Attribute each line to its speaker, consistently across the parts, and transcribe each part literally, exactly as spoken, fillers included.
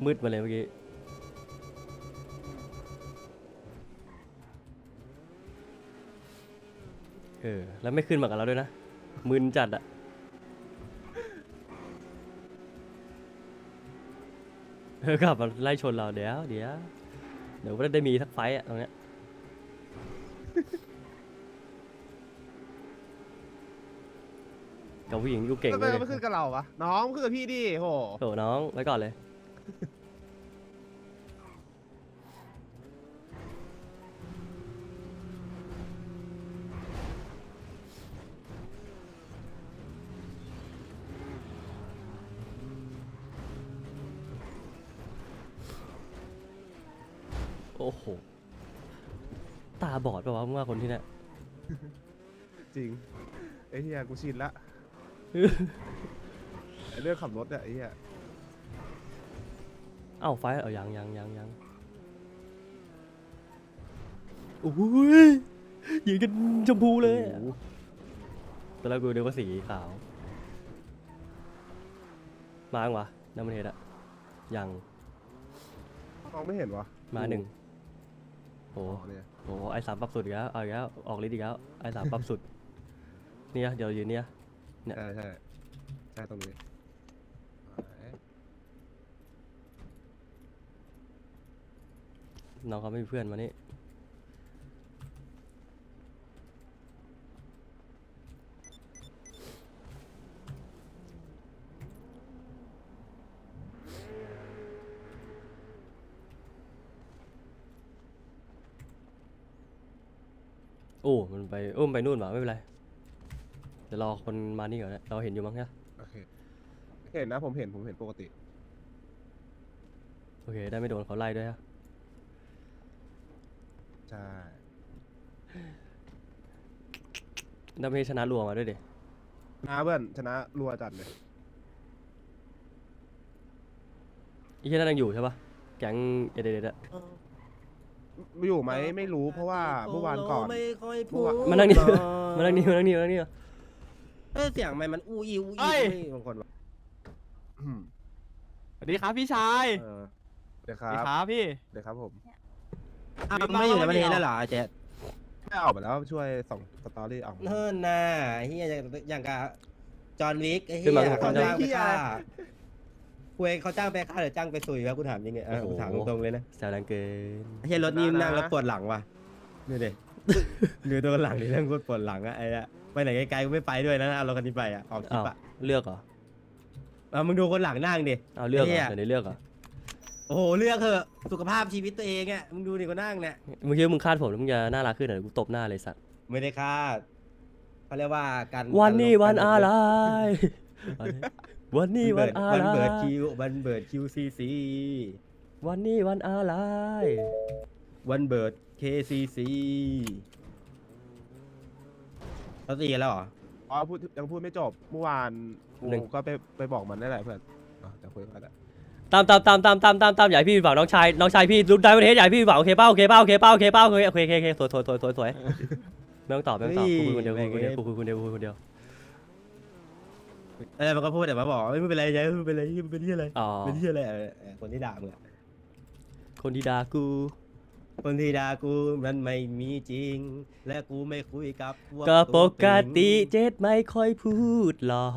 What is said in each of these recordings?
Speaker 1: มืดมาเลยเมื่อกี้เออแล้วไม่ขึ้นมากับเราด้วยนะมึนจัดอะเออกลับมาไล่ชนเราเดี๋ยวเดี๋ยวเดี๋ยวก็ได้มีทักไฟต์อะตรงเนี้ยกับผู้หญิงกูเก่ง
Speaker 2: ทำไม
Speaker 1: เลย
Speaker 2: ไม่ขึ้นกับเราวะน้องขึ้นกับพี่ดิโห
Speaker 1: โถน้องไว้ก่อนเลยโอ้โหตาบอดปะวะมึงว่าคนที่เนี่ย
Speaker 2: จริงไอ้เหี้ยกูชินละไอ้เรื่องขับรถเนี่ยไอ้เหี้ย
Speaker 1: เอ้าไฟล์เอายังยังยังยังโอ้ยยืนกันชมพูเลยอะตอนแรกกูเดียวก็สีขาวมาอังวะน้ำมันเทศอะยัง
Speaker 2: มองไม่เห็นวะ
Speaker 1: มาหนึ่งโอ้
Speaker 2: อ๋อเนี่ย
Speaker 1: โหไอสามปรับสุดอีกแล้วเอาอีกแล้วออกฤทธิ์อีกแล้วไอสามปรับสุดเนี่ยเดี๋ยวยืนเนี่ย เนี่ย
Speaker 2: ใช่ใช่ใช่ตรงนี้
Speaker 1: น้องเขาไม่มีเพื่อนมานี่โอ้มันไปโอ้มันไปนู่นหว่าไม่เป็นไรเดี๋ยวรอคนมานี่ก่อนนะเราเห็นอยู่มั้งใช่
Speaker 2: โอเคเห็นนะผมเห็นผมเห็นปกติ
Speaker 1: โอเคได้ไม่โดนเขาไล่ด้วยฮะ
Speaker 2: ใช่
Speaker 1: ได้ไม่ชนะรัวมาด้วยดิ
Speaker 2: นะเพื่อนชนะรัวจัดเลย
Speaker 1: อีแค่นั้นยังอยู่ใช่ปะแก๊งเอเดเดอะ
Speaker 2: อยู่ไหมไม่รู้เพราะว่าเมื่อวานก่อน
Speaker 3: ไม่ค่อยพู
Speaker 2: เมื่อ
Speaker 3: ด
Speaker 2: วาน
Speaker 1: มานั่งนี่ มานั่งนี่มานั่งนี่มานั่งนี่
Speaker 3: เอ้ยเสียงมันมันอูอีอู
Speaker 2: เอ้
Speaker 3: อี
Speaker 2: ย
Speaker 3: ไม่บางคนวะ
Speaker 2: อืม
Speaker 4: สวัสดีครับพี่ชาย
Speaker 2: เออเดี๋ยวค
Speaker 4: สวัสดี
Speaker 2: รับ
Speaker 4: ครับพี่
Speaker 2: เดี๋ยวครับผม
Speaker 3: อ้าว
Speaker 4: มี
Speaker 3: มันไม่อยู่ใน
Speaker 4: บ้าง
Speaker 3: ประเทศ
Speaker 4: ไม่มี
Speaker 3: แล้วเหรอเจ๊
Speaker 2: ไม่ออกไปแล้วช่วยส่งสตอรี่ออกมา
Speaker 3: เนิ่นน่ะเฮียอย่างอย่างกับจอห์นวิกไอ้
Speaker 1: ขึ้
Speaker 3: เฮี
Speaker 1: น
Speaker 3: ย
Speaker 1: มา
Speaker 3: เขาจ้างไป
Speaker 2: เหี้ย
Speaker 3: ฆ่าคุยเขาจ้างไปฆ่าหรือจ้างไปซุยวะกูถามจริงเนี่ยเออ
Speaker 1: โอ้โห
Speaker 3: กูถามตรงๆเลยนะ
Speaker 1: แซวแรงเกิน
Speaker 3: ไอ้เฮียรถนี่นั่งแล้วปวดหลังว่ะนี่เด็ดูตัวหลังนี่นั่งปวดหลังอะไอ้อะไปไหนไกลๆกูไม่ไปด้วยนะเอารถคันนี้ไปอะออกคลิ
Speaker 1: อ้าว
Speaker 3: ปอะ
Speaker 1: เลือกเหรอ
Speaker 3: เอามึงดูคนหลังนั่งดิ
Speaker 1: เอาเลือกเหร
Speaker 3: ไอ้เหี้
Speaker 1: อย เดี๋ยวนี้เลือกเหรอ
Speaker 3: โอ้โหเลือกเถอะสุขภาพชีวิตตัวเองอะมึงดูดิคนนั่งเนี่ย
Speaker 1: มึงคิดว่ามึงคาดผมแล้วมึงจะน่ารักขึ้นเหรอกูตบหน้าเลยสัตว์
Speaker 3: ไม่ได้คาดเขาเรียกว่าการ
Speaker 1: วันนี้
Speaker 3: การลง
Speaker 1: วัน
Speaker 3: การลง
Speaker 1: อะไรวันนี้วันอะ
Speaker 3: วัน
Speaker 1: ไร
Speaker 3: เบิร์ดคิววันเบิร์ดคิวซีซี
Speaker 1: วันนี้วันอะไร
Speaker 3: วันเบิร์ดเคซีซีเขาตีกันแล้วเหรอ
Speaker 2: อ๋อพูดยังพูดไม่จบเมื่อวานกูก็ไปไปบอกมันได้แหละเพื่อนอ่ะเดี๋ยวคุยกันแหละ
Speaker 1: ตามตามตามตามตามตามตามอย่าให้พี่ผิดหวังน้องชายน้องชายพี่รุ่นได้ประเทศอย่าให้พี่ผิดหวังโอเคเป้าโอเคเป้าโอเคเป้าโอเคเป้าโอเคโอเคโอเคโอเคสวยสวยสวยสวยสวยไม่ต้องตอบไม่ต้องตอบกูคุยคนเดียวกูคุยคนเดียวกูคุยคนเดียวกูคุยคนเดียว
Speaker 3: อะไรมันก็พูดแต่มาบอกไม่เป็นไรยัยไม่เป็นไรไม่เป็นที่อะไร
Speaker 1: อ๋อ
Speaker 3: เป็นที่อะไรเออเออคนที่ด่ามึงอะ
Speaker 1: คนที่ด่ากู
Speaker 3: คนที่ด่ากูมันไม่มีจริง และกูไม่คุยกับพว
Speaker 1: ก็ป
Speaker 3: ตัว
Speaker 1: ก
Speaker 3: ตึง
Speaker 1: ติเจ็ดไม่ค่อยพูดหรอก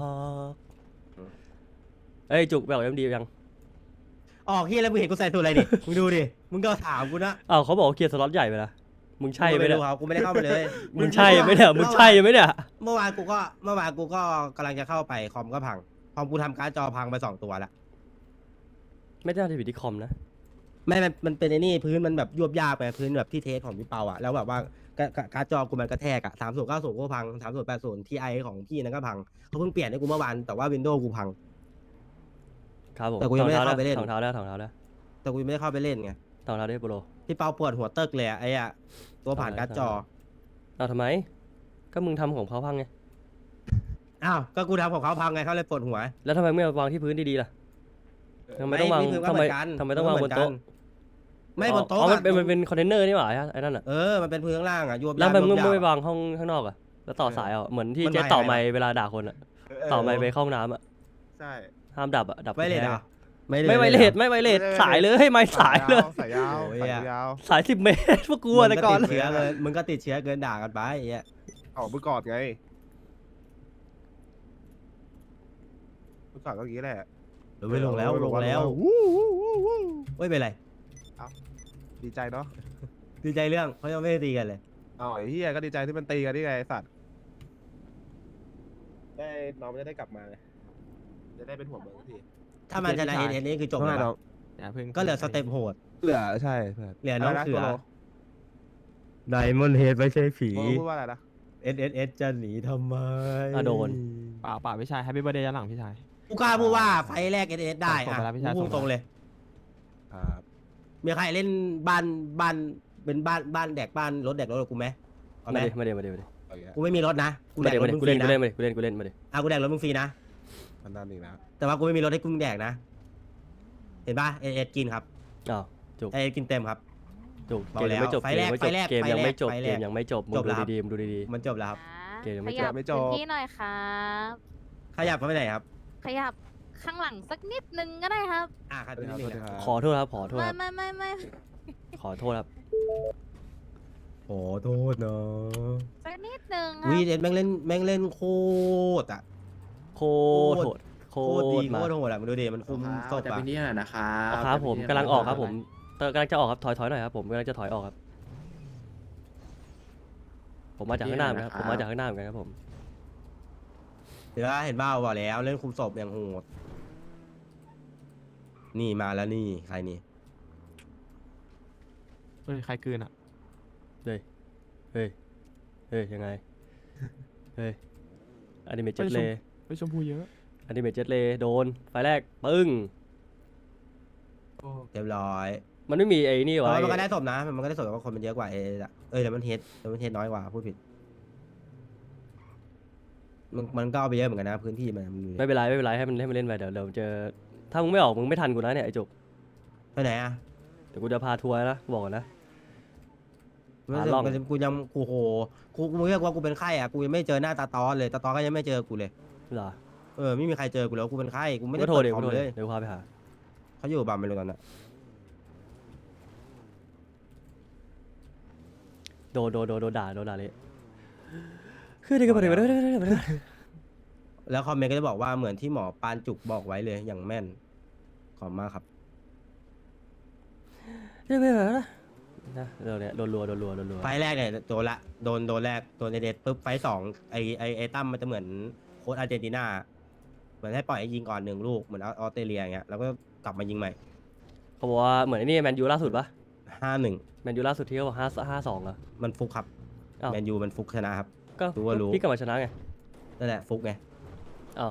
Speaker 1: เอ้ยจุกแบบเอ็มดียัง
Speaker 3: ออกที่แล้วมึงเห็นกูใส่ตัวอะไรดิมึงดูดิมึงก็ถามกูนะ
Speaker 1: อ้าวเขาบอกว่าเคลียร์สล็อตใหญ่ไปนะมึงใช่ไหม
Speaker 3: ไม่
Speaker 1: เนี่ย
Speaker 3: รู้ครับกูไม่ได้เข้าไปเลย
Speaker 1: มึงใช่ไหมเนี่ยมึงใช่ไหมเนี่ย
Speaker 3: เมื่อวานกูก็เมื่อวานกูก็กำลังจะเข้าไปคอมก็พังคอมกูทำการ์ดจอพังไปสองตัวละ
Speaker 1: ไม่ได้ที่ผิดที่คอมนะ
Speaker 3: ไม่มันมันเป็นไอ้นี่พื้นมันแบบยวบยากไปพื้นแบบที่เทสของพี่เปาอะแล้วแบบว่าการ์ดการ์ดจอกูมันกระแทกอะสามศูนย์เก้าศูนย์ก็พังสามศูนย์แปดศูนย์ทีไอของพี่นั่นก็พังเขาเพิ่งเปลี่ยนให้กูเมื่อวานแต่ว่าวินโดว์กูพัง
Speaker 1: ครับผม
Speaker 3: แต่กูยังไม่ได้เข้าไปเล่น
Speaker 1: ถองเท้าแล้วถองเท้าแล้ว
Speaker 3: แต่กูยังไม่ได้เข้าไปเล่นไง
Speaker 1: ถองเท้าได้โปรโล
Speaker 3: พี่เปาปวดหัวเติกเลยอะไอ้อะตัวผ่านการ์ดจอ
Speaker 1: เอาทำไมก็มึงทำของเขาพังไง
Speaker 3: อ้าวก็กูทำของเขาพังไงเขาเลยปวดหัว
Speaker 1: แล้วทำไมไม่เอาวางที่พื้นดีๆล่ะทำไมต้องวาง
Speaker 3: พี่พื้นก็
Speaker 1: ทำ
Speaker 3: เห
Speaker 1: ไม
Speaker 3: มือนกัน
Speaker 1: ทำไมต้องวางบนโต๊ะ
Speaker 3: ไม่บนโต๊ะ
Speaker 1: อ๋อมัน
Speaker 3: อะ
Speaker 1: เป็นมันเป็นคอนเทนเนอร์นี่หว่าไอ้นั่นอ่ะ
Speaker 3: เออมันเป็นพื้นข้างล่างอะยวบ
Speaker 1: แล้ว
Speaker 3: ยาก
Speaker 1: ทำไมมึง
Speaker 3: ยวบยาก
Speaker 1: ไม่วางห้องข้างนอกอ่ะแล้วต่อสายอ่ะเหมือนที่
Speaker 3: มัน
Speaker 1: เจ๊
Speaker 3: ไม่
Speaker 1: ต่อ
Speaker 3: อะไร
Speaker 1: ไม
Speaker 3: นะ
Speaker 1: ค์เวลาด่าคนอ่ะต่อไมค์ไปเข้าห้องน้ำอ่ะ
Speaker 2: ใช่
Speaker 1: ห้ามดับอ่ะดับ
Speaker 3: ไว้เลย
Speaker 1: แท้
Speaker 3: นะไม่
Speaker 1: ไม่ไวเลสไม่ไวเลสสายเลยไม่สายเลย
Speaker 2: สายยาว
Speaker 3: โอ้ย
Speaker 2: สาย
Speaker 3: อะ
Speaker 2: ยาว
Speaker 1: สายสิบเมตรพวกกู
Speaker 3: มึ
Speaker 1: อะ
Speaker 3: ง
Speaker 1: แต่
Speaker 3: ก็
Speaker 1: ก่อ
Speaker 3: ติ
Speaker 1: น
Speaker 3: ดเชื้อเกินมึงก็ติดเชื้อเกินด่ากันไปไอ้เหี้ย
Speaker 2: เอาเมื่อก่อนไงเมื่อก่อนก็อย่างนี้แหละ
Speaker 3: ลงไม่ลงแล้วลงแล้ว
Speaker 2: วู้วู้วู้วู้
Speaker 3: ไม่เป็นไร
Speaker 2: ดีใจเนาะ
Speaker 3: ดีใจเรื่องเขายังไม่ได้ตีกันเลย
Speaker 2: อ๋อไอ้เฮียก็ดีใจที่มันตีกันนี่ไงไอ้สัตว์ได้น้องมันจะได้กลับมาไงจะได้เป็นหัวเมืองสักที
Speaker 3: ถ้ามันชนะเอเอนี่คือจบ
Speaker 2: ว่า
Speaker 3: เลย
Speaker 2: ไงน้
Speaker 3: ปะ
Speaker 2: อง
Speaker 4: อย่าเพิ่ง
Speaker 3: ก็เหลือสเต็ปโหด
Speaker 2: เหลือใช่เพื่อน
Speaker 3: เหลือน้อง
Speaker 2: ะไร
Speaker 3: เสือ
Speaker 2: โกโล
Speaker 3: ไดมอนเฮดไม่ใช่ผี
Speaker 2: โกโลพูดว่าอะไรนะ
Speaker 3: เอสเอสเอสจะหนีทำไม
Speaker 1: อ่ะโดน
Speaker 4: เปล่าเปล่าพี่ชายแฮปปี้เบ t ร์ a เดย์ย้อนหลังพี่ชาย
Speaker 3: กูกล้าพูดว่าไฟแรกเอสเอสได้
Speaker 4: ส่ง
Speaker 3: อ่ะ
Speaker 4: ไปแล้วพี่ชาย
Speaker 3: กูพูด
Speaker 4: ส่งไป
Speaker 3: ตรงเลย
Speaker 2: ครับ
Speaker 3: มีใครเล่นบ้านบ้านเป็นบ้านบ้านแดกบ้านรถแดกรถกับกูไหมเอาไหม
Speaker 1: มาดิมาดิมาดิมาดิ
Speaker 2: เอาอย่างเงี้ย
Speaker 3: กูไม่มีรถนะกู
Speaker 1: มา
Speaker 3: แด
Speaker 1: ดิ
Speaker 3: กร
Speaker 1: มา
Speaker 3: ถ
Speaker 1: ดิ
Speaker 3: มึง
Speaker 1: กู
Speaker 3: ฟรี
Speaker 1: เล่นกู
Speaker 3: นะ
Speaker 1: เล่นมาดิกูเล่นกูเล่นมาดิ
Speaker 3: อ่ะกูแดกรถมึงฟรีนะ
Speaker 2: มันนั่นอีกนะ
Speaker 3: แต่ว่ากูไม่มีรถให้กูแดกนะ เห็นปะเอเอสกินครับ
Speaker 1: อ้าวจุก
Speaker 3: เอเอสกินเต็มครับ
Speaker 1: จุก
Speaker 3: เบา
Speaker 1: เกมยังไม่จบ
Speaker 3: แล้ว
Speaker 1: เกมยังไม่จบ
Speaker 3: ไฟแรก
Speaker 1: เกมยังไม่จบ
Speaker 3: ไฟแรก
Speaker 1: เกมยังไม่จบมึง
Speaker 3: จบ
Speaker 1: ดู
Speaker 3: แล้วครับ
Speaker 1: ดีๆมึงดูดี
Speaker 3: มันจบแล้วครับ
Speaker 1: เกมยังไม่
Speaker 5: ข
Speaker 1: จบ
Speaker 5: ยับพื้นที่หน่อยครับ
Speaker 3: ขยับเข้าไปไหนครับ
Speaker 5: ขยับข้างหลังสักนิดนึงก็ได้ครับ
Speaker 3: อ่ะครับ
Speaker 2: สวัส
Speaker 3: นิ
Speaker 2: ดี
Speaker 3: ด
Speaker 2: ครับ
Speaker 3: นึง
Speaker 2: สวัสดี
Speaker 3: นะ
Speaker 2: ครับ
Speaker 1: ขอโทษครับขอโทษ
Speaker 5: ไม่
Speaker 1: ครับ
Speaker 5: ไม่ไม่ไม่
Speaker 1: ขอโทษครับ
Speaker 3: ขอโทษนะ
Speaker 5: สักนิดนึงครั
Speaker 3: วี
Speaker 5: บ
Speaker 3: เอ็ดแม่งเล่นแม่งเล่นโคตรอ่ะ
Speaker 1: โคตรโหดโค
Speaker 3: โคตรดี
Speaker 1: ตร
Speaker 3: โค
Speaker 1: มา
Speaker 3: ตรโหดอ่ะมึงดูดิมันคุมศพ
Speaker 6: แต่
Speaker 3: อ่ะ
Speaker 6: เป็นนี่หน่อยนะครับ
Speaker 1: ครับผม
Speaker 6: แต่
Speaker 1: กำ
Speaker 6: เป็นนี่
Speaker 1: ลังออกครับ
Speaker 6: ห
Speaker 1: ผ
Speaker 6: น่ย
Speaker 1: มเตอร์กำลังจะออกครับถอยถอยหน่อยครับผมกำลังจะถอยออกครับ ผมมาจากข้างหน้าเหมือนกันครับผมมาจากข้างหน้าเหมือนกันครับผม
Speaker 3: เดี๋ยวเห็นบ้าบอกแล้วเล่นคุมศพอย่างโหดนี่มาแล้วนี่ใครนี่
Speaker 4: เฮ้ยใครกลืนอ่ะ
Speaker 1: เฮ้ยเฮ้ยเฮ้ยยังไงเฮ้ยอนิเมะเจ็ตเล
Speaker 4: เฮ้ยชมพูเยอะ
Speaker 1: อนิเมะเจ็ตเลโดนไฟแรกปึ้ง
Speaker 3: เรียบร้อย
Speaker 1: มันไม่มีไอ้นี่
Speaker 3: แต่
Speaker 1: วะ
Speaker 3: ว่ามันก็
Speaker 1: ไอ้
Speaker 3: ได้ศพนะมันก็ได้ศพแต่ว่าคนมันเยอะกว่าเออะเอ้ยแต่มันเทสแต่มันเทสน้อยกว่าพูดผิดมันมันก็เอาไปเยอะเหมือนกันนะพื้นที่มันมัน
Speaker 1: ไม่เป็นไรไม่เป็นไรให้มันให้มันเล่นไปเดี๋ยวเดี๋ยวเจอถ้ามึงไม่ออกมึงไม่ทันกูนะเนี่ยไอ้จุก
Speaker 3: ไปไหนอ่ะ
Speaker 1: เดี๋ยวกูจะพาทัวร์นะบอกก่อนนะ
Speaker 3: มัน
Speaker 1: หาร่อง
Speaker 3: มันกูยังกูโหกูกูเรียกว่ากูเป็นไข้อ่ะกูยังไม่เจอหน้าตาตอนเลยตาตอนก็ยังไม่เจอกูเลย
Speaker 1: เหรอ
Speaker 3: เออไม่มีใครเจอกูแล้วกูเป็นไข้กูไม่ได้
Speaker 1: ก็โทร
Speaker 3: เปิด
Speaker 1: เดี๋ยว
Speaker 3: คอ
Speaker 1: กู
Speaker 3: ม
Speaker 1: โทร
Speaker 3: เล
Speaker 1: เดี๋ยวย เดี๋ยวกูพาไปหา
Speaker 3: เขาอยู่บัมไม่รู้ตอนน่ะ
Speaker 1: โดนโดนโดนโดนด่าโดนด่าเลยคือเด็กก็บอกเด็กก็ได้
Speaker 3: แล้วคอมเมนต์ก็จะบอกว่าเหมือนที่หมอปานจุกบอกไว้เลยอย่างแม่นขอบมากครับ
Speaker 1: เด็กไม่เหรอนะเดี๋ยวเนี่ยโดนรัวโดนรัวโดนรัว
Speaker 3: ไฟล์แรกเนี่ยโดนละโดนโดนแรกโดนเอเดดปุ๊บไฟล์สองไอไอไอตั้มมันจะเหมือนโค้ชอาร์เจนตินาเหมือนให้ปล่อยให้ยิงก่อนหนึ่งลูกเหมือนออสเตรเลียอย่างเงี้ยแล้วก็กลับมายิงใหม่
Speaker 1: เขาบอกว่าเหมือนไอ้นี่แมนยูล่าสุดปะ
Speaker 3: ห้าหนึ่ง
Speaker 1: แมนยูล่าสุดที่เขาบอกห้าห้าสองอะ
Speaker 3: มันฟุกครับ
Speaker 1: อ้าว
Speaker 3: แมนยูมันฟุกชนะครับ
Speaker 1: ก็
Speaker 3: รู้ว่ารู้
Speaker 1: พี่กลับมาชนะไง
Speaker 3: นั่นแหละฟุกไง
Speaker 1: อ้าว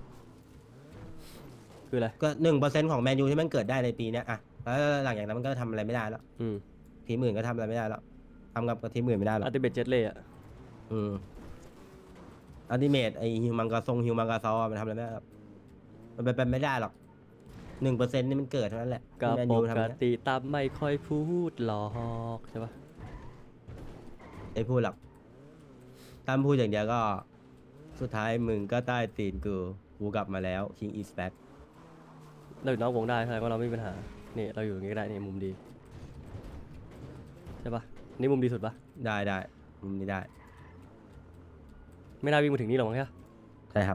Speaker 1: คืออะไร
Speaker 3: ก็หนึ่งเปอร์เซ็นต์ของแมนยูที่มันเกิดได้ในปีเนี้ยอะแล้วหลังจากนั้นมันก็ทำอะไรไม่ได้แล้ว
Speaker 1: อืม
Speaker 3: ทีมอื่นก็ทำอะไรไม่ได้แล้วทำกับทีมอื่นไม่ได้หรอก
Speaker 1: อัลติเมทเจ็ตเลยอะ
Speaker 3: อืมอัลติเมทไอฮิวมังกาซงฮิวมังกาซอมันทำอะไรไม่ได้หรอกมันเป็นไปไม่ได้หรอกหนึ่งเปอร์เซ็นต์นี่มันเกิดเท่านั้นแหละ
Speaker 1: ก็
Speaker 3: ที่แมน
Speaker 1: ป
Speaker 3: ยู
Speaker 1: ก
Speaker 3: ทำเนี่ย
Speaker 1: ติตามไม่ค่อยพูดหรอกใช่ปะ
Speaker 3: ไอ้พูดหรอกตั้มพูดอย่างเดียวก็ สุดท้ายมึงก็ใต้ตีนกูกูกลับมาแล้ว King is back
Speaker 1: เราอยู่นอกวงได้แสดงว่าเราไม่มีปัญหานี่เราอยู่อย่างงี้ก็ได้นี่มุมดีใช่ปะนี่มุมดีสุดปะ
Speaker 3: ได้ได้มุมนี้ได้
Speaker 1: ไม่น่าวิ่งมาถึงนี่หรอกมั้งแค่
Speaker 3: ใช่ครับ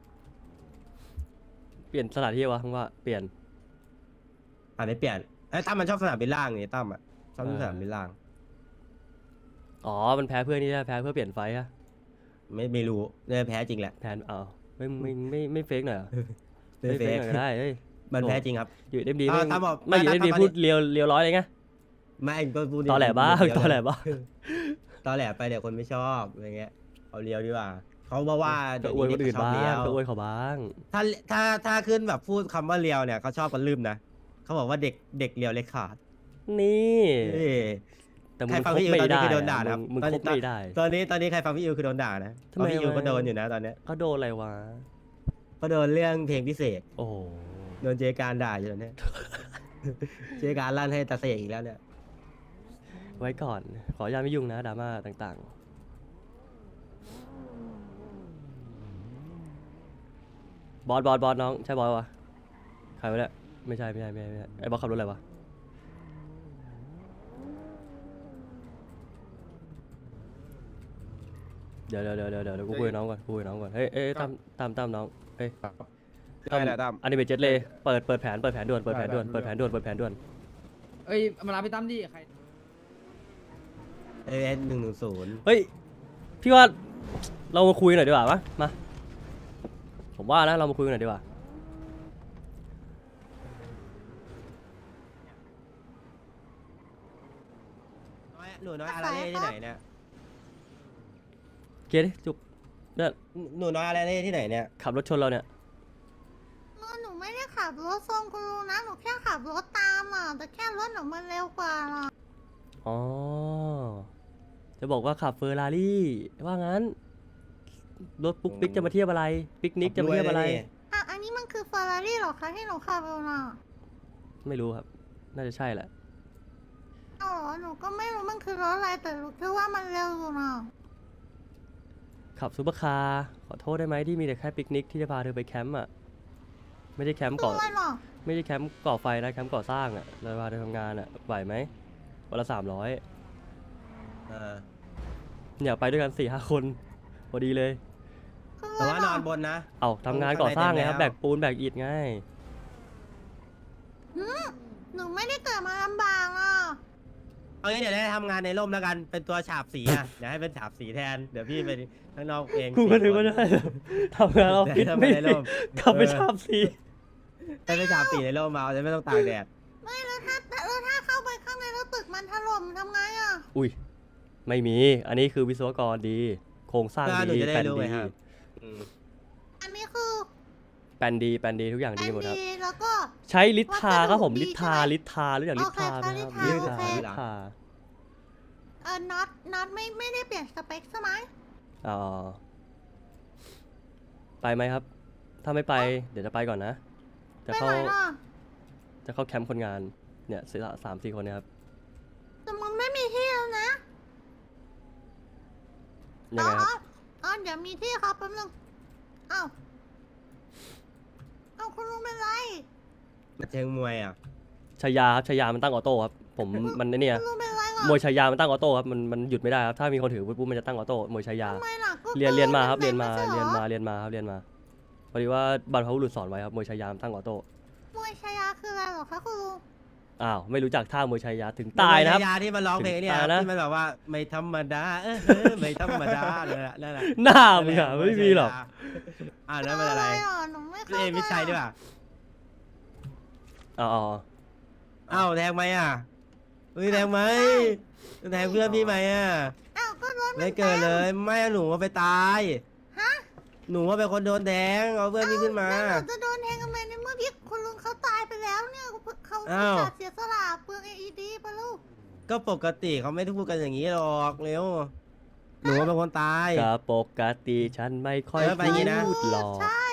Speaker 1: เปลี่ยนสถานที่วะทั้งว่าเปลี่ยน
Speaker 3: อ่าไม่เปลี่ยนไอ้ตั้มมันชอบสนามบินล่างนี่ตั้มอ่ะชอบ
Speaker 1: เออ
Speaker 3: สนามบินล่าง
Speaker 1: อ๋อมันแพ้เพื่อนนี่ใช่แพ้เพื่อเปลี่ยนไฟอะ
Speaker 3: ไม่ไม่รู้เนี่ยแพ้จริงแหละ
Speaker 1: แทนอ้าวไม่ไม่ไม่ไม่เฟกหน่อยเหรอ
Speaker 3: ไม่
Speaker 1: ไม่
Speaker 3: เฟ
Speaker 1: เฟก
Speaker 3: ก
Speaker 1: หน่อยก็ได้เฮ้ย
Speaker 3: มันแพ้จริงครับ
Speaker 1: อยู่เอ็มดี
Speaker 3: อ่า
Speaker 1: ไม่
Speaker 3: ตามบอก
Speaker 1: ไม่อยู่
Speaker 3: ตา
Speaker 1: เอ็
Speaker 3: ม
Speaker 1: มดี
Speaker 3: ตาม
Speaker 1: พูดเลียวเลียวร้อยเลยไง
Speaker 3: ไม่ก็พูด
Speaker 1: ตอแหลบ้าง
Speaker 3: เดี๋ยว
Speaker 1: ตอแหลบ้าง
Speaker 3: ตอแหลไปเดี๋ยวคนไม่ชอบอะไรเงี้ยเอาเลียวดีกว่าเขาบอกว่า
Speaker 1: ก็
Speaker 3: เดี๋ยว
Speaker 1: อวยคน
Speaker 3: นี้
Speaker 1: อื่น
Speaker 3: เขาชอบ
Speaker 1: บ้า
Speaker 3: เลีย
Speaker 1: ง
Speaker 3: ว
Speaker 1: ก็อวยเขาบ้าง
Speaker 3: ถ้าถ้าถ้าขึ้นแบบพูดคำว่าเลียวเนี่ยเขาชอบกันลืมนะเขาบอกว่าเด็กเด็กเลียวเล็กขาด
Speaker 1: นี่
Speaker 3: เอ้ย
Speaker 1: แต่มึ
Speaker 3: ใครง ฟัง
Speaker 1: คบ
Speaker 3: พี่อิว
Speaker 1: ไม่
Speaker 3: ตอนนี้
Speaker 1: ได้
Speaker 3: คือโดน
Speaker 1: อะ
Speaker 3: ด่านะครับ
Speaker 1: มึง
Speaker 3: ตอน
Speaker 1: ค
Speaker 3: นี้
Speaker 1: บไม่ได้
Speaker 3: ตอนนี้ตอนนี้ใครฟังพี่อิวคือโดนด่านะ
Speaker 1: ทำไม
Speaker 3: เพราะพี่อิว
Speaker 1: วะ
Speaker 3: ก็โดนอยู่นะตอนเนี้ย
Speaker 1: เขาโดนอะไรวะ
Speaker 3: ก็โดนเรื่องเพลงพิเศษ
Speaker 1: โอ้โห
Speaker 3: โดนเจการด่าอยู่ตอนเนี้ย เจการลั่นให้ตาเสกอีกแล้วเนี่ย
Speaker 1: ไว้ก่อน ขออนุญาตไม่ยุ่งนะดราม่าต่างๆ บอสบอสบอสน้อง ใช่บอสวะใครวะเนี่ยไม่ใช่ไม่ใช่ไม่ใช่ไม่ใช่ไอ้บอสขับรถอะไรวะเดี๋ยวเดี๋ยวเดี๋ยวเดี๋ยวเดี๋ยวกูคุยกับน้องก่อนกูคุยกับน้องก่อนเฮ้ยเอ้ยตามตามตามน้องเอ้ย
Speaker 2: ได้แหละตั้ม
Speaker 1: อันนี้เป็นเจ็ตเลยเปิดเปิดแผนเปิดแผนด่วนเปิดแผนด่วน
Speaker 2: ได้ได้
Speaker 1: เปิดแผนด่วนเปิดแผนด่วน
Speaker 6: เอ้ยมารับพี่ตั้มดิใคร
Speaker 3: เอเอสหนึ่งหนึ่งศูนย์
Speaker 1: เฮ้ยพี่ว่าเรามาคุยหน่อยดีกว่ามะมาผมว่านะเรามาคุยกันหน่อยดีกว่า
Speaker 3: หนูน้อยอาราเล่ที่ไหนเนี่ย
Speaker 1: เกียร์ดิจุกเนี่ย
Speaker 3: หนูน้อยอาราเล่ที่ไหนเนี่ย
Speaker 1: ขับรถชนเราเนี่ย
Speaker 7: หนูไม่ได้ขับรถทรงคุณลุงนะ หนูแค่ขับรถตามอ่ะ แต่แค่รถหนูมันเร็วกว่าน่ะ
Speaker 1: อ๋อจะบอกว่าขับเฟอร์รารี่ว่างั้นรถปุ๊กปิ๊กจะมาเทียบอะไรปิกนิกจะมาเทียบอะไร
Speaker 7: อ่ะ อันนี้มันคือเฟอร์รารี่หรอคะที่หนูขับเร็วน่ะ
Speaker 1: ไม่รู้ครับ น่าจะใช่แหละ
Speaker 7: อ๋อหนูก็ไม่รู้มันคือรถอะไรแต่รู้แค่ว่ามันเร็วอยู่น่ะ
Speaker 1: ขับซูเปอร์คาร์ขอโทษได้ไหมที่มีแต่แค่ปิกนิกที่จะพาเธอไปแคมป์อ่ะไม่ได้แคมป์ก่อ
Speaker 7: ด้วยหรอ
Speaker 1: ไม่ใช่แคมป์ก่อไฟนะแคมป์ก่อสร้างอ่ะเราพาเธอทำงานอ่ะไหวไหมวันละสามร้อย
Speaker 3: อ่า
Speaker 1: เนี่ยไปด้วยกันสี่ห้าคนพอดีเลย
Speaker 7: คือ
Speaker 3: แต่
Speaker 7: อะไร
Speaker 3: ว่าน
Speaker 7: หร
Speaker 3: อ
Speaker 7: อน
Speaker 3: บนนะ
Speaker 1: เอาทำงานก่อสร้างไงครับ
Speaker 3: ข้างในเต็มแล้ว
Speaker 1: แบกปูนแบกอิฐไง
Speaker 7: หนูไม่ได้เกิดมาลำบากอ่ะ
Speaker 3: เอางี้เดี๋ยวได้ทำงานในร่มแล้วกันเป็นตัวฉาบสีอ่ะ เดี๋ยวให้เป็นฉาบสีแทนเดี๋ยวพี่ไปข้างนอกเอง
Speaker 1: กูก็นึกว่าได้ทำงานออฟฟิศ
Speaker 3: ทำ
Speaker 1: ไม่
Speaker 3: งานในร่ม
Speaker 1: ขับไปชาบสี
Speaker 3: ให้เป็นฉาบสีในร่มมาจะไม่ต้องตากแดด
Speaker 7: ไม่แล้วถ้าแล้วถ้าเข้าไปข้างในแล้วตึกมันถล่มทำไงอ่ะ
Speaker 1: อุ้ยไม่มี อันนี้คือวิศวกรดี โครงสร้าง
Speaker 3: ก็หนู
Speaker 1: ดี
Speaker 3: จะได้
Speaker 1: แปลน
Speaker 3: รู้ไง
Speaker 1: ดี
Speaker 3: ครับ อืม
Speaker 7: อันนี้คือ
Speaker 1: แปลนดีแปลนดีทุกอย่าง
Speaker 7: แอ
Speaker 1: ดี
Speaker 7: น
Speaker 1: หมดครับ
Speaker 7: ดีแล้วก็
Speaker 1: ใช้ลิทาครับผม
Speaker 7: วัสดุ
Speaker 1: ลิทา
Speaker 7: ดีใช่ไหม
Speaker 1: ลิทารู้จักลิทาไหมครับ
Speaker 7: โอเค
Speaker 1: ลิ
Speaker 7: ค่ะ
Speaker 1: ทา
Speaker 7: ลิ
Speaker 1: ลิ
Speaker 7: ทา
Speaker 1: ทา
Speaker 7: เออน็อตน็อตไม่ไม่ได้เปลี่ยนสเปคใช่ไหม
Speaker 1: อ๋อไปไหมครับ ถ้าไม่ไปเดี๋ยวจะไปก่อนนะ จะ
Speaker 7: ไป
Speaker 1: เข้า
Speaker 7: ไหนล่ะ
Speaker 1: จะเข้าแคมป์คนงานเนี่ยสี่สามสี่คนเนะครับ
Speaker 7: แต่มันไม่มีที่แล้วนะ
Speaker 1: ยังไงครับ
Speaker 7: อ๋ออ๋อเดี๋ยวมีที่ครับแป๊บนึงเอ้าเอ้าคุณลุงเป็นไร
Speaker 3: เชิงมวยอ่ะ
Speaker 1: ชายาครับชายามันตั้งออโต้ครับผมมันไอ้เนี่ย
Speaker 7: คุณลุงเป็นไรวะ
Speaker 1: มวยชายามันตั้งออโต้ครับมันมันหยุดไม่ได้ครับถ้ามีคนถือปุ๊บมันจะตั้งออโต้มวยชายา
Speaker 7: ทำไมล่ะก็
Speaker 1: เรียนเรียนมาครับ
Speaker 7: กิ
Speaker 1: เรียนมา
Speaker 7: ไใช่หอ
Speaker 1: เรียนมาเรียนมาครับเรียนมาพอดีว่าบรรพบุรุษสอนไว้ครับมวยชายามันตั้งออโต้
Speaker 7: มวยชายาคืออะไรเหรอคะคุณลุง
Speaker 1: อ้าวไม่รู้จักท่ามวยชายาถึงตายนะครับ
Speaker 3: ยาที่มันร้องเพลงเนี่ย
Speaker 1: ถึงตายนะ
Speaker 3: ที่มันแบบว่าไม่ธรรมดาเออเออไม่ธรรมดาเลยอะนั่นแหละ
Speaker 1: หน้ามึงอะไม่มีหรอก
Speaker 3: อ่าแล้วมันอะไร
Speaker 7: หรอหนูไม่เข้า
Speaker 3: เอ็
Speaker 7: ใจ
Speaker 3: มิชัยด้วยป่ะ
Speaker 1: อ๋ออ๋อ
Speaker 3: อ้าวแทงไหมอ่ะเฮ้ยแทงไหมแทงเพื่อนพี่ไหมอ่ะ
Speaker 7: อ้าวก็รถน
Speaker 3: ไม่เกิดเลยไม่หนูว่าไปตาย
Speaker 7: ฮะ
Speaker 3: หนูว่าเป็นคนโดนแทงเอาเพื่อนพี่ขึ้นมา
Speaker 7: แล้วหนูจะโดนแทงทำไมในเมื่อพี่คุณลุงเขาตายไปแล้วเนี่ยเขา
Speaker 3: อ้าว
Speaker 7: ขาดเสียสละเปลือง เอ อี ดี ปะลูก
Speaker 3: ก็ปกติเขาไม่ได้พูดกันอย่างนี้หรอกเร็วหนูว่าเป็นคนตาย
Speaker 1: ก็ปกติฉันไม่ค่อย
Speaker 3: เออไปอย่างงี้นะ
Speaker 1: พูดหรอก
Speaker 7: ใช่